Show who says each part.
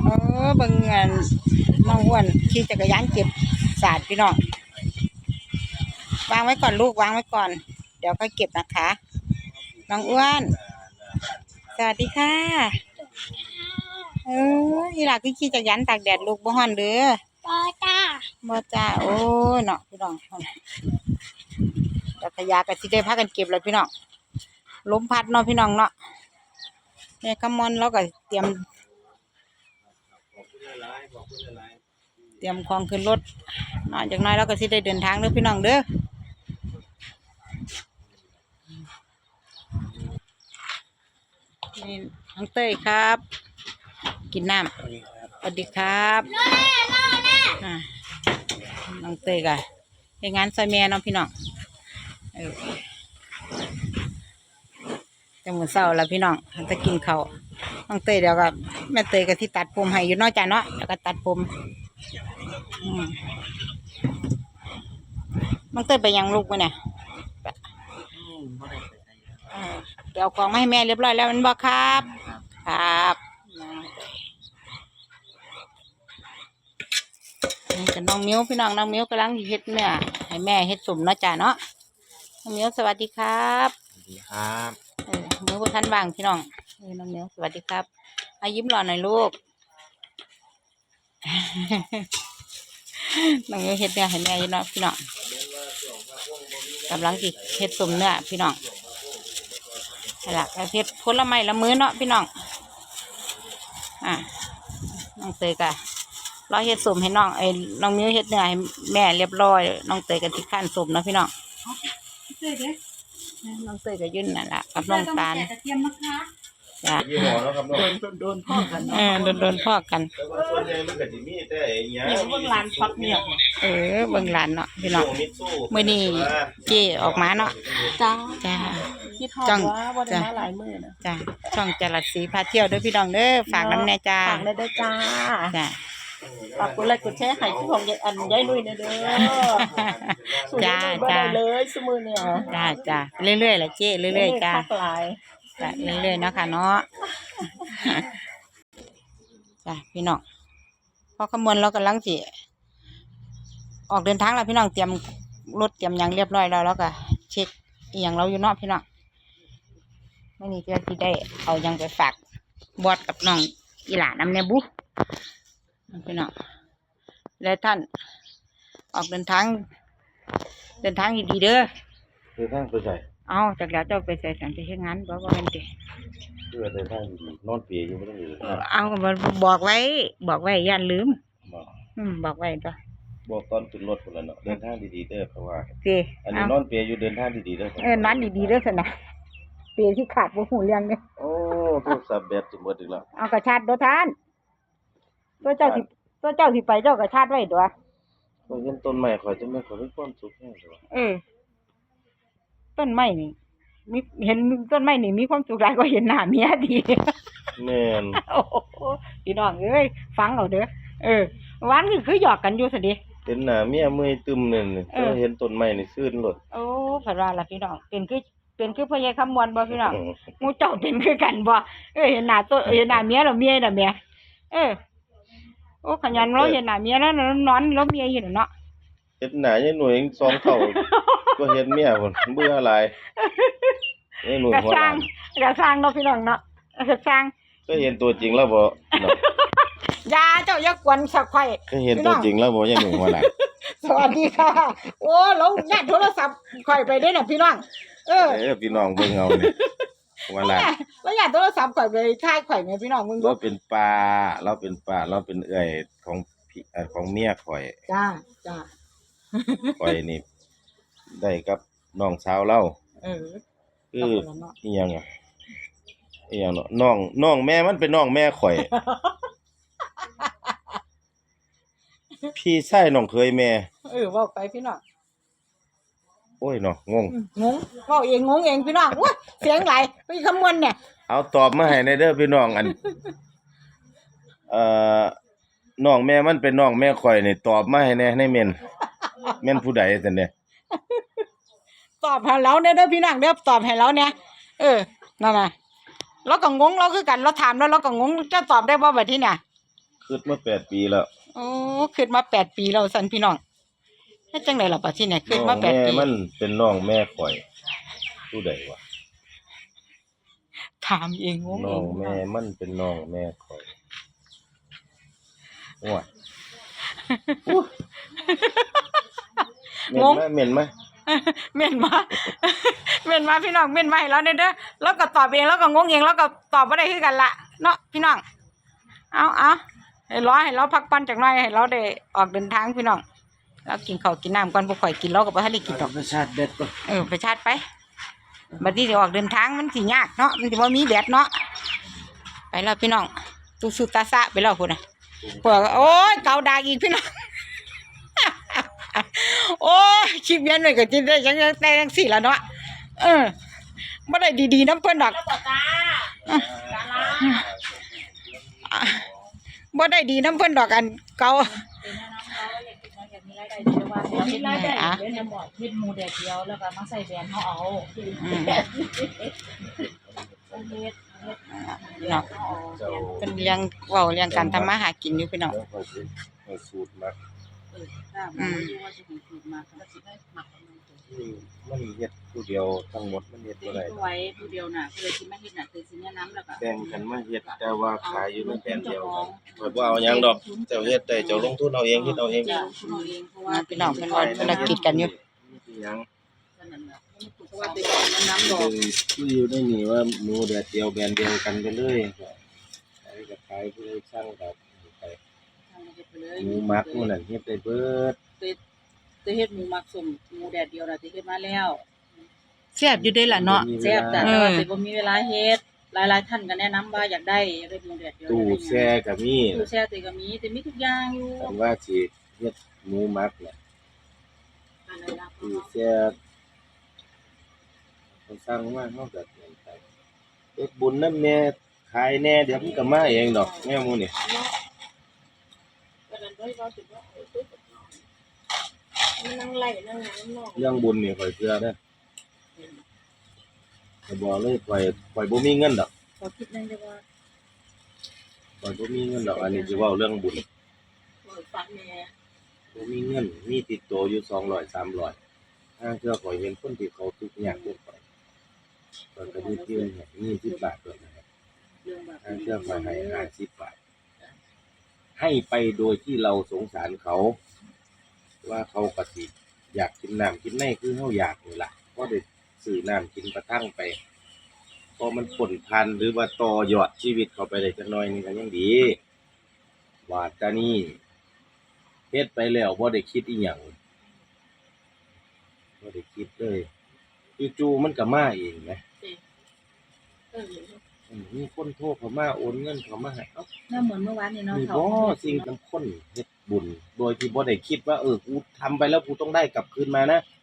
Speaker 1: เบิ่งงานน้องอ้วนขี่จักรยานเก็บสาดพี่น้องวางไว้ก่อนลูกวางไว้ก่อนเดี๋ยวค่อยเก็บนะคะน้องอ้วนสวัสดีค่ะอีหล่ะคือขี่จักรยานตากแดดลูกบ่ฮ้อนเด้อบ่จ้าโอ้ยเนาะพี่น้องจักรยานก็สิได้พากันเก็บแล้วพี่น้องลมพัดเนาะพี่น้องเนาะแม่คำมอนเราก็เตรียมของขึ้นรถนอนจากน้อยเราก็สิได้เดินทางเด้อพี่น้องเด้อนี่น้องเต้ยครับกินน้ำสวัสดีครับน้องเต้ยกันเป็นงานซอยแม่น้องพี่น้องจะหมดเศร้าแล้วพี่น้องจะกินข้าวน้องเต้ยเดี๋ยวก็แม่เต้ยก็ที่ตัดผมให้อยู่นอกจากเนาะแล้วก็ตัดผมน้องเต้ยไปยังลูกมั้ยเนี่ยเดี๋ยวของมาให้แม่เรียบร้อยแล้วมันบอกครับครับนี่กับน้องมิ้วพี่น้องน้องมิ้วกำลังเฮ็ดเนี่ยให้แม่เฮ็ดสมเนาะจ้าเนาะน้องมิ้วสวัสดีครับ
Speaker 2: สวัสดีครับ
Speaker 1: มิ้วท่านว่างพี่น้องน้องมิ้วสวัสดีครับยิ้มหล่อหน่อยลูกน้องมิ้วเฮ็ดเนี่ยให้แม่อยู่เนาะพี่น้องกำลังสิเฮ็ดสมเนี่ยพี่น้องนี่แหละเฮ็ดผลไม้ละมื้อเนาะพี่น้องน้องเตยกะเราเฮ็ดสมให้น้องน้องมิ้วเฮ็ดเนื้อให้แม่เรียบร้อยน้องเตยกะที่ขั้นสมเนาะพี่น้องน้องเตยกะยื่นนั่นแหละกับน้องตาลจ้ะโดนพ่อกันโดนพ่อกัน
Speaker 3: เบิ่งหลานพักเนี่ย
Speaker 1: เบิ่งหลานเนาะพี่น้องมื้อนี้เจ๊ออกมาเนาะจ้า
Speaker 3: จ้องบ่ได้มาหลายมื้อนะ
Speaker 1: จ้าช่องจรัสศรีพาเที่ยวเด้อพี่น้องเด้อฝากน้ำแน่จ้า
Speaker 3: ฝากได้จ้า
Speaker 1: จ้า
Speaker 3: ฝากกดไลค์กดแชร์ให้ที่ของยายนุ่ยเด้อจ้าเลยซุมื้อเนี่ย
Speaker 1: จ้าเรื่อยๆล่ะเจ๊เรื่อยๆจ้าจ้าเรื่อยๆเนาะค่ะเนาะจ้าพี่น้องพอขมวดเรากำลังสิออกเดินทางแล้วพี่น้องเตรียมรถเตรียมยังเรียบร้อยแล้วก็เช็คอีหยังเราอยู่เนาะพี่น้องไม่นี่จะที่ได้เอายังไปฝากบอสกับน้องอีหลาน้ำเนบุพี่น้องและท่านออกเดินทางดีๆเด้อ
Speaker 2: เดินทางไปใส่
Speaker 1: เอาจากแล้วเจ้าไปใส่สันไปเฮ็ดงานบอกว่าเป็นเด็ก
Speaker 2: เพื่อเดินทางดีนอนเปียอยู่ไม่ต้องอยู่
Speaker 1: เอาบอกไว้ย่านลืมบอกไว้จ้ะ
Speaker 2: บอกตอนขึ้นรถคนละเนาะเดินทางดีๆเด้อเพราะว่า
Speaker 1: อั
Speaker 2: นนี้นอนเปียอยู่เดินทางดีๆเด้
Speaker 1: อนอนดีๆเด้อสนะเปียที่ขาดบ่หูเรื่องเนี่ย
Speaker 2: โอ้โทรศัพท์แบตจะหมดอีกแล้ว
Speaker 1: เอากระชาดด้วยท่านตัวเจ้าที่ไปเจ้ากระชาดไว้ด้วย
Speaker 2: ก็เห็นต้นไม้ข่อยจะไม่ข่อยมีความสุขแน่เลย
Speaker 1: ต้นไม้นี่เห็นต้นไม้นี่มีความสุขหลายกว่าเห็นหน้าเมียดี
Speaker 2: แม่น
Speaker 1: โอ้พี่น้องเอ้ยฟังเอาเด้อวันคือหยอกกันอยู่ซะดิ
Speaker 2: เห็นหน้าเมียเมื่อยตึมนั่นแต่เห็นต้นไม้นี่ซื่นโลด
Speaker 1: โอ้ผัดว่าล่ะพี่น้องเป็นคือพ่อใหญ่คำมวลบ่พี่น้องหมู่เจ้าเป็นคือกันบ่เห็นหน้าเมียแล้วเมียน่ะแม่โอ้ขยันเราเห็นหน้าเมียแล้วนอนแล้วเมียอยู่เนาะ
Speaker 2: เห็นหน้ายายหน่วย2เท่าก็เห็นเมียพุ่นเบื่อหลายยายหน่วยหัวล้าน
Speaker 1: กระสร้างเนาะพี่น้องเนาะกระสร้าง
Speaker 2: ก็เห็นตัวจริงแล้วบ่เนาะ
Speaker 1: ยาเจ้าอย่ากวนสักไข่
Speaker 2: ก็เห็นตัวจริงแล้วบ่ยายหน่วยหัวล้าน
Speaker 1: สวัสดีค่ะโอ้ลงญาติโทรศัพท์ข่อยไปได้น่ะพี่น้อง
Speaker 2: พี่น้องเบิ่งเอานี่หัวล้าน
Speaker 1: แล้วญาติโทรศัพท์ข่อยไปถ่ายข่อยแม่พี่น้องมึง
Speaker 2: เราเป็นป้าเราเป็นเอื้อยของเมียข่อย
Speaker 1: จ้า
Speaker 2: ข่อยนี่ได้กับน้องสาวเราคืออีหยังเนาะน้องแม่มันเป็นน้องแม่ข่อยพี่ชายน้องเคยแม่
Speaker 1: เว้าไปพี่น้อง
Speaker 2: โอ้ยเนาะงง
Speaker 1: เว้าเองงงเองพี่น้องโอ้ยเสียงไหลไปคำมวณเนี่ย
Speaker 2: เอาตอบมาให้ในเด้อพี่น้องอันน้องแม่มันเป็นน้องแม่ข่อยนี่ตอบมาให้ในเม่นผู้ใดซั่นเนี่ย
Speaker 1: ตอบให้เราเด้อพี่น้องเด้อตอบให้เราเนี่ยนั่นน่ะเราก็งงเราคือกันเราถามแล้วเราก็งงจะตอบได้บ่บัดนี้เนี่ย
Speaker 2: คิดมา8 ปีแล้ว
Speaker 1: โอ้ขึ้นมา8 ปีแล้วสันพี่น้องเฮ็ดจังได๋ล่ะบัดทีเนี่ยขึ้นมา8 ปี
Speaker 2: แม่มันเป็นน้องแม่ข่อยผู้ใดวะ
Speaker 1: ถามเองงง
Speaker 2: น้
Speaker 1: เอ
Speaker 2: อง
Speaker 1: ง
Speaker 2: แม่มันเป็นน้องแม่ข่อยโอ้ยเหม็นไหม
Speaker 1: เม่นมา เม่นมาพี่น้องเม่นมาให้เราเด้อแล้วก็ตอบเองแล้วก็งงเองแล้วก็ตอบบ่ได้คือกันล่ะเนาะพี่น้องเอาให้เราพักผ่อนจักหน่อยให้เราได้ออกเดินทางพี่น้องแล้วกินข้าวกินน้ำก่อนบ่ค่อยกินเราก็บ่ทันได้กินดอก
Speaker 2: ประชาติเด็ดก่อน
Speaker 1: ไปชาร์จไปบัดนี้สิออกเดินทางมันสิยากเนาะมันสิบ่มีแดดเนาะไปแล้วพี่น้องตุสุตาสะไปแล้วพุ่นน่ะพวกโอ้ยเกาดากอีกพี่น้อง โอ้ยคลิปเย็นหน่อยก็จิได้จังแต่จังสี่แล้วเนาะบ่ได้ดีๆน้ำเพิ่นดอกบ่ได้ดีน้ำเพิ่นดอกอันเก่า
Speaker 3: มีรายได้เดี๋ยวจะบอกเฮ็ดหมูแดดเดียวแล้วก็มาใส่แบรนด์เฮาเอาเฮ็ด
Speaker 1: เนาะเป็นเรื่องเว้าเรื่องการทำมาหากินอยู่พี่น้อง
Speaker 2: แล้วข่อยสิให้สูตรมัก
Speaker 3: ว่าสิถูกมาก็สิได้หมัก
Speaker 2: มันเฮ็ดผู้เดียวทั้งหมดมันเฮ็ดบ่ได้
Speaker 3: ไว้ผู้เดียวน่ะเพื่อสิมาเฮ็ดน่ะคือสิแนะนำแล้วก็
Speaker 2: แบ่งกันมาเฮ็ดแต่ว่าขายอยู่ในแบรนด์เดียวกันข่อยบ่เอาหยังดอกเจ้าเฮ็ดได้เจ้าลงทุนเอาเองเฮ็ดเอาเอง
Speaker 3: จ้ะคุณเอาเองเพราะว่า
Speaker 1: พี่น้องเพิ่นว่าธุรกิจกันอยู่
Speaker 2: มีหยัง
Speaker 3: เพราะว่าเป็นการแนะนำดอก
Speaker 2: คืออยู่ในนี่ว่าหมูแดดเดียวแบรนด์เดียวกันไปเลยขายกับขายผู้ใดช่างกับไปหมูมักหมู่นั่นเฮ็ดได้เบิด
Speaker 3: จะเฮ็ดหมูหมักสุ่มหมูแดดเดียวน่ะสิเฮ็ดมาแล้ว
Speaker 1: แซ่บอยู่เด้ล่ะเนาะ
Speaker 3: แซ่บแต่ว่าสิบ่มีเวลาเฮ็ดหลายๆท่านก็แนะนำว่าอยากได้หมูแดดเดียว
Speaker 2: ตู้แช่ก็มี
Speaker 3: ตู้แช่ติก็มีแต่มีทุกอย่างอยู่
Speaker 2: คันว่าสิเฮ็ดหมูมักน่ะตู้แช่คนสร้างมาเฮาก็ไปเฮ็ดบุญนำแน่ขายแน่เดี๋ยวมันก็มาเองดอกแนวหมู่นี่เรื่องบุญนี่ข่อยเชื่อเด้อข่อยบอกเลยข่อยบ่มีเงินดอก
Speaker 3: ขอคิดนั่นได้ว่า
Speaker 2: ข่อยบ่มีเงินดอกอันนี้สิเว้าเรื่องบุญ
Speaker 3: ฟังแม่
Speaker 2: บ่มีเงินมีติดตัวอยู่200 300ถ้าเชื่อข่อยเห็นคนที่เขาทุกข์ยากเกินไปเพิ่นก็มีเพียง20 บาทเท่านั้นครับ
Speaker 3: เรื่องแบบ
Speaker 2: ถ้าเชื่อข่อยให้50 บาทให้ไปโดยที่เราสงสารเขา ว่าเขาก็สิอยากกินน้ำกินในคือเฮาอยากนี่ล่ะก็ได้ซื้อน้ำกินประทังไปพอมันผลพันธุ์หรือว่าต่อยอดชีวิตเขาไปได้จักหน่อยนึงก็ยังดีว่าแต่นี่เฮ็ดไปแล้วบ่ได้คิดอีหยังบ่ได้คิดเลยจู่ๆมันก็มาเองแหมมีคนโทรเข้ามาโอนเงินเข้ามาให้เอ้า
Speaker 3: น่าเหมือนเมื่อวานนี่เนาะ
Speaker 2: นี่
Speaker 3: เขา
Speaker 2: บ่สิ่งสำคัญเฮ็ดบุญโดยที่บ่ได้คิดว่ากูทำไปแล้วกูต้องได้กลับคืนมานะ